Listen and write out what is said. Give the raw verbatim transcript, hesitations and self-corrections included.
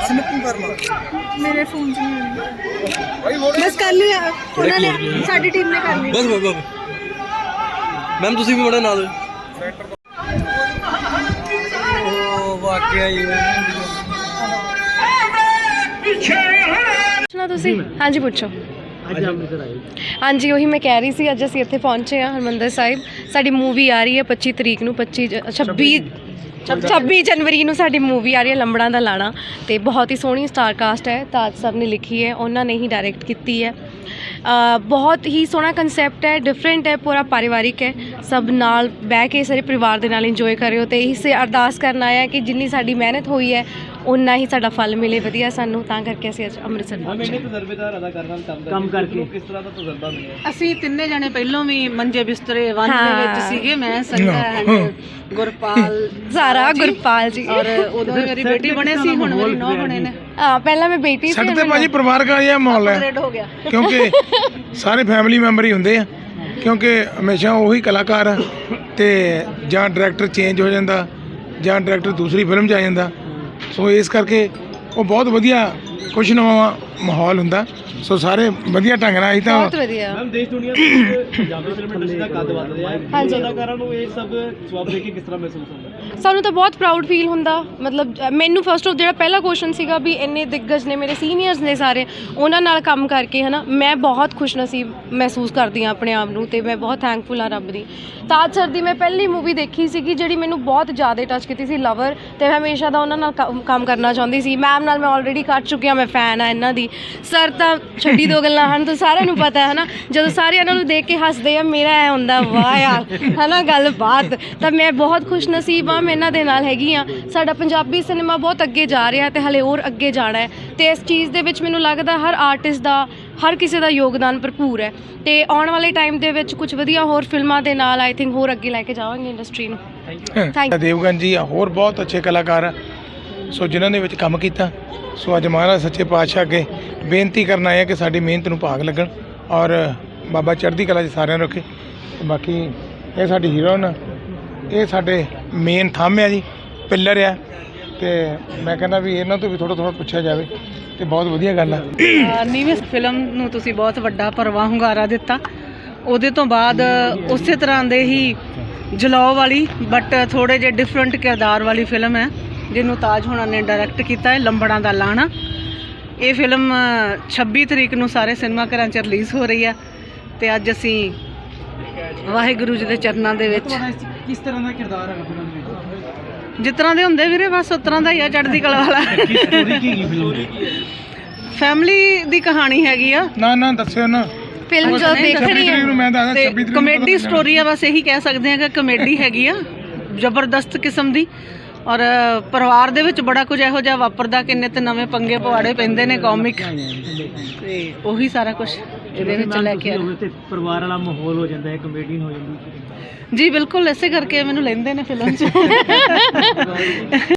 Snipping करना मेरे phone से नहीं हुई बस कर लिया उन्होंने साडी टीम ने कर लिया बस बस बस मैम तुसी भी बड़ा नाल ओ वाकई ही ਪੁੱਛਣਾ ਤੁਸੀਂ ਹਾਂਜੀ ਪੁੱਛੋ ਅੱਜ ਅੰਮ੍ਰਿਤਸਰ ਆਏ ਹਾਂਜੀ ਉਹੀ ਮੈਂ ਕਹਿ ਰਹੀ ਸੀ ਅੱਜ ਅਸੀਂ ਇੱਥੇ ਪਹੁੰਚੇ ਹਾਂ ਹਰਮੰਦਰ ਸਾਹਿਬ ਸਾਡੀ ਮੂਵੀ ਆ ਰਹੀ ਹੈ ਪੱਚੀ ਤਰੀਕ ਨੂੰ ਪੱਚੀ ਛੱਬੀ ਛੱਬੀ ਜਨਵਰੀ ਨੂੰ ਸਾਡੀ ਮੂਵੀ ਆ ਰਹੀ ਹੈ ਲੰਬੜਾਂ ਦਾ ਲਾਣਾ ਤੇ ਬਹੁਤ ਹੀ ਸੋਹਣੀ ਸਟਾਰ ਕਾਸਟ ਹੈ ਤਾਜ ਸਰ ਨੇ ਲਿਖੀ ਹੈ ਉਹਨਾਂ ਨੇ ਹੀ ਡਾਇਰੈਕਟ ਕੀਤੀ ਹੈ ਬਹੁਤ ਹੀ ਸੋਹਣਾ ਕਨਸੈਪਟ ਹੈ ਡਿਫਰੈਂਟ ਹੈ ਪੂਰਾ ਪਰਿਵਾਰਿਕ ਹੈ ਸਭ ਨਾਲ ਬਹਿ ਕੇ ਸਾਰੇ ਪਰਿਵਾਰ ਦੇ ਨਾਲ ਇੰਜੋਏ ਕਰਿਓ ਤੇ ਇਹੀ ਸੇ ਅਰਦਾਸ ਕਰਨ ਆਇਆ ਕਿ ਜਿੰਨੀ ਸਾਡੀ ਮਿਹਨਤ ਹੋਈ ਹੈ ਉਨਾ ਹੀ ਸਾਡਾ ਫਲ ਮਿਲੇ ਵਧੀਆ ਸਾਨੂੰ ਤਾਂ ਕਰਕੇ ਅਸੀਂ ਅੱਜ ਅੰਮ੍ਰਿਤਸਰ ਪਹੁੰਚੇ ਤਜਰਬੇਦਾਰ ਅਦਾਕਾਰ ਨਾਲ ਕੰਮ ਕਰਕੇ ਕਿਸ ਤਰ੍ਹਾਂ ਦਾ ਤਜਰਬਾ ਮਿਲਿਆ ਅਸੀਂ ਤਿੰਨੇ ਜਣੇ ਪਹਿਲਾਂ ਵੀ ਮੰਜੇ ਬਿਸਤਰੇ ਵਨ ਦੇ ਵਿੱਚ ਸੀਗੇ ਮੈਂ ਸੰਗਾ ਗੁਰਪਾਲ ਸਾਰਾ ਗੁਰਪਾਲ ਜੀ ਔਰ ਉਦੋਂ ਮੇਰੀ ਬੇਟੀ ਬਣੇ ਸੀ ਹੁਣ ਮੇਰੀ ਨੌਂ ਬਣੇ ਨੇ ਹਾਂ ਪਹਿਲਾਂ ਮੈਂ ਬੇਟੀ ਸੀ ਸਾਡੇ ਤੇ ਭਾਜੀ ਪਰਿਵਾਰਕ ਜਿਹਾ ਮਾਹੌਲ ਹੈ ਅਪਗ੍ਰੇਡ ਹੋ ਗਿਆ ਕਿਉਂਕਿ ਸਾਰੇ ਫੈਮਿਲੀ ਮੈਂਬਰ ਹੀ ਹੁੰਦੇ ਆ ਕਿਉਂਕਿ ਹਮੇਸ਼ਾ ਉਹੀ ਕਲਾਕਾਰ ਆ ਤੇ ਜਾਂ ਡਾਇਰੈਕਟਰ ਚੇਂਜ ਹੋ ਜਾਂਦਾ ਜਾਂ ਡਾਇਰੈਕਟਰ ਦੂਸਰੀ ਫਿਲਮ 'ਚ ਆ ਜਾਂਦਾ ਸੋ ਇਸ ਕਰਕੇ ਉਹ ਬਹੁਤ ਵਧੀਆ ਖੁਸ਼ਨੁਮਾ ਮਾਹੌਲ ਹੁੰਦਾ ਸੋ ਸਾਰੇ ਵਧੀਆ ਢੰਗ ਨਾਲ ਅਸੀਂ ਤਾਂ ਬਹੁਤ ਵਧੀਆ ਮੈਮ ਦੇਸ਼ ਦੁਨੀਆ ਦੇ ਪੰਜਾਬੀ ਫਿਲਮ ਇੰਡਸਟਰੀ ਦਾ ਕੱਦ ਵੱਧ ਰਿਹਾ ਹੈ ਹਾਂਜੀ। ਅਦਾਕਾਰਾਂ ਨੂੰ ਇਹ ਸਭ ਜਵਾਬ ਦੇ ਕੇ ਕਿਸ ਤਰ੍ਹਾਂ ਮਹਿਸੂਸ ਹੁੰਦਾ ਸਾਨੂੰ ਤਾਂ ਬਹੁਤ ਪ੍ਰਾਊਡ ਫੀਲ ਹੁੰਦਾ ਮਤਲਬ ਅ, ਮੈਨੂੰ ਫਸਟ ਆਫ ਜਿਹੜਾ ਪਹਿਲਾ ਕੁਐਸਚਨ ਸੀਗਾ ਵੀ ਇੰਨੇ ਦਿੱਗਜ ਨੇ ਮੇਰੇ ਸੀਨੀਅਰਸ ਨੇ ਸਾਰੇ ਉਹਨਾਂ ਨਾਲ ਕੰਮ ਕਰਕੇ ਹੈ ਨਾ ਮੈਂ ਬਹੁਤ ਖੁਸ਼ਨਸੀਬ ਮਹਿਸੂਸ ਕਰਦੀ ਹਾਂ ਆਪਣੇ ਆਪ ਨੂੰ ਤੇ ਮੈਂ ਬਹੁਤ ਥੈਂਕਫੁਲ ਹਾਂ ਰੱਬ ਦੀ ਤਾਜ ਸਰ ਦੀ ਮੈਂ ਪਹਿਲੀ ਮੂਵੀ ਦੇਖੀ ਸੀਗੀ ਜਿਹੜੀ ਮੈਨੂੰ ਬਹੁਤ ਜ਼ਿਆਦਾ ਟੱਚ ਕੀਤੀ ਸੀ ਲਵਰ ਤੇ ਮੈਂ ਹਮੇਸ਼ਾ ਦਾ ਉਹਨਾਂ ਨਾਲ ਕੰਮ- ਕੰਮ ਕਰਨਾ ਚਾਹੁੰਦੀ ਸੀ ਮੈਮ ਨਾਲ ਮੈਂ ਆਲਰੇਡੀ ਕਰ ਚੁੱਕੀ ਹਾਂ ਮੈਂ ਫੈਨ ਆ ਇਹਨਾਂ ਦੀ ਸਰ ਤਾਂ ਛੱਡੀ ਦੋ ਗੱਲਾਂ ਹਨ ਤਾਂ ਸਾਰਿਆਂ ਨੂੰ ਪਤਾ ਹੈ ਨਾ ਜਦੋਂ ਸਾਰੇ ਇਹਨਾਂ ਨੂੰ ਦੇਖ ਕੇ ਹੱਸਦੇ ਆ ਮੇਰਾ ਐ ਹੁੰਦਾ ਵਾਹ ਯਾਰ ਹੈ ਨਾ ਗੱਲ ਬਾਤ ਤਾਂ ਮੈਂ ਬਹੁਤ ਖੁਸ਼ਨਸੀਬ ਹਾਂ ਮੈਂ ਇਹਨਾਂ ਦੇ ਨਾਲ ਹੈਗੀ ਹਾਂ ਸਾਡਾ ਪੰਜਾਬੀ ਸਿਨੇਮਾ ਬਹੁਤ ਅੱਗੇ ਜਾ ਰਿਹਾ ਤੇ ਹਲੇ ਹੋਰ ਅੱਗੇ ਜਾਣਾ ਹੈ ਤੇ ਇਸ ਚੀਜ਼ ਦੇ ਵਿੱਚ ਮੈਨੂੰ ਲੱਗਦਾ ਹਰ ਆਰਟਿਸਟ ਦਾ ਹਰ ਕਿਸੇ ਦਾ ਯੋਗਦਾਨ ਭਰਪੂਰ ਹੈ ਤੇ ਆਉਣ ਵਾਲੇ ਟਾਈਮ ਦੇ ਵਿੱਚ ਕੁਝ ਵਧੀਆ ਹੋਰ ਫਿਲਮਾਂ ਦੇ ਨਾਲ ਆਈ ਥਿੰਕ ਹੋਰ ਅੱਗੇ ਲੈ ਕੇ ਜਾਵਾਂਗੇ ਇੰਡਸਟਰੀ ਨੂੰ ਥੈਂਕ ਯੂ ਦੇਵਗਨ ਜੀ ਹੋਰ ਬਹੁਤ ਅੱਛੇ ਕਲਾਕਾਰ ਆ ਸੋ ਜਿਨ੍ਹਾਂ ਨੇ ਵਿੱਚ ਕੰਮ ਕੀਤਾ ਸੋ ਅੱਜ ਮਹਾਰਾਜ ਸੱਚੇ ਪਾਤਸ਼ਾਹ ਅੱਗੇ ਬੇਨਤੀ ਕਰਨ ਆਏ ਆ ਕਿ ਸਾਡੀ ਮਿਹਨਤ ਨੂੰ ਭਾਗ ਲੱਗਣ ਔਰ ਬਾਬਾ ਚੜ੍ਹਦੀ ਕਲਾ 'ਚ ਸਾਰਿਆਂ ਨੂੰ ਰੱਖੇ ਤੇ ਬਾਕੀ ਇਹ ਸਾਡੀ ਹੀਰੋਇਨ ਇਹ ਸਾਡੇ ਮੇਨ ਥੰਮ ਆ ਜੀ ਪਿੱਲਰ ਆ ਤੇ ਮੈਂ ਕਹਿੰਦਾ ਵੀ ਇਹਨਾਂ ਤੋਂ ਵੀ ਥੋੜ੍ਹਾ ਥੋੜ੍ਹਾ ਪੁੱਛਿਆ ਜਾਵੇ ਤੇ ਬਹੁਤ ਵਧੀਆ ਗੱਲ ਆ ਨੀਵੇਂ ਫਿਲਮ ਨੂੰ ਤੁਸੀਂ ਬਹੁਤ ਵੱਡਾ ਭਰਵਾਂ ਹੁੰਗਾਰਾ ਦਿੱਤਾ ਉਹਦੇ ਤੋਂ ਬਾਅਦ ਉਸੇ ਤਰ੍ਹਾਂ ਦੇ ਹੀ ਜਲਾਓ ਵਾਲੀ ਬਟ ਥੋੜ੍ਹੇ ਜਿਹੇ ਡਿਫਰੈਂਟ ਕਿਰਦਾਰ ਵਾਲੀ ਫਿਲਮ ਹੈ ਜਿਹਨੂੰ ਤਾਜ ਹੋਣਾ ਨੇ ਡਾਇਰੈਕਟ ਕੀਤਾ ਹੈ ਲੰਬੜਾਂ ਦਾ ਲਾਣਾ ਇਹ ਫਿਲਮ ਛੱਬੀ ਤਰੀਕ ਨੂੰ ਸਾਰੇ ਸਿਨੇਮਾ ਘਰਾਂ 'ਚ ਰਿਲੀਜ਼ ਹੋ ਰਹੀ ਹੈ ਤੇ ਅੱਜ ਅਸੀਂ ਵਾਹਿਗੁਰੂ ਜੀ ਦੇ ਚਰਨਾਂ ਦੇ ਵਿੱਚ ਕਿਸ ਤਰ੍ਹਾਂ ਦਾ ਕਿਰਦਾਰ ਹੈ ਫਿਲਮ ਵਿੱਚ ਜਿਸ ਤਰ੍ਹਾਂ ਦੇ ਹੁੰਦੇ ਵੀਰੇ ਬਸ ਉਸ ਤਰ੍ਹਾਂ ਦਾ ਹੀ ਆ ਚੜ੍ਹਦੀ ਕਲਾ ਵਾਲਾ ਸਟੋਰੀ ਕੀ ਹੈ ਫਿਲਮ ਦੀ ਫੈਮਿਲੀ ਦੀ ਕਹਾਣੀ ਹੈਗੀ ਆ ਨਾ ਨਾ ਦੱਸਿਓ ਨਾ ਫਿਲਮ ਜੋ ਦੇਖ ਛੱਬੀ ਰਹੀ ਤਰੀਕ ਹੈ ਨੂੰ ਮੈਂ ਦੱਸਦਾ ਤੇ ਛੱਬੀ ਤਰੀਕ ਨੂੰ ਕਮੇਡੀ ਸਟੋਰੀ ਆ ਬਸ ਇਹੀ ਕਹਿ ਸਕਦੇ ਹਾਂ ਕਿ ਕਮੇਡੀ ਹੈਗੀ ਆ ਜ਼ਬਰਦਸਤ ਕਿਸਮ ਦੀ ਔਰ ਪਰਿਵਾਰ ਦੇ ਵਿੱਚ ਬੜਾ ਕੁਝ ਇਹੋ ਜਿਹਾ ਵਾਪਰਦਾ ਕਿੰਨੇ ਤੇ ਨਵੇਂ ਪੰਗੇ ਪਵਾੜੇ ਪੈਂਦੇ ਨੇ ਕਾਮਿਕ ਤੇ ਉਹੀ ਸਾਰਾ ਕੁਝ ਇਹਦੇ ਵਿੱਚ ਲੈ ਕੇ ਆ ਤੇ ਪਰਿਵਾਰ ਵਾਲਾ ਮਾਹੌਲ ਹੋ ਜਾਂਦਾ ਹੈ ਕਮੇਡੀਅਨ ਹੋ ਜਾਂਦੀ ਜੀ ਬਿਲਕੁਲ ਇਸੇ ਕਰਕੇ ਮੈਨੂੰ ਲੈਂਦੇ ਨੇ ਫਿਲਮ 'ਚ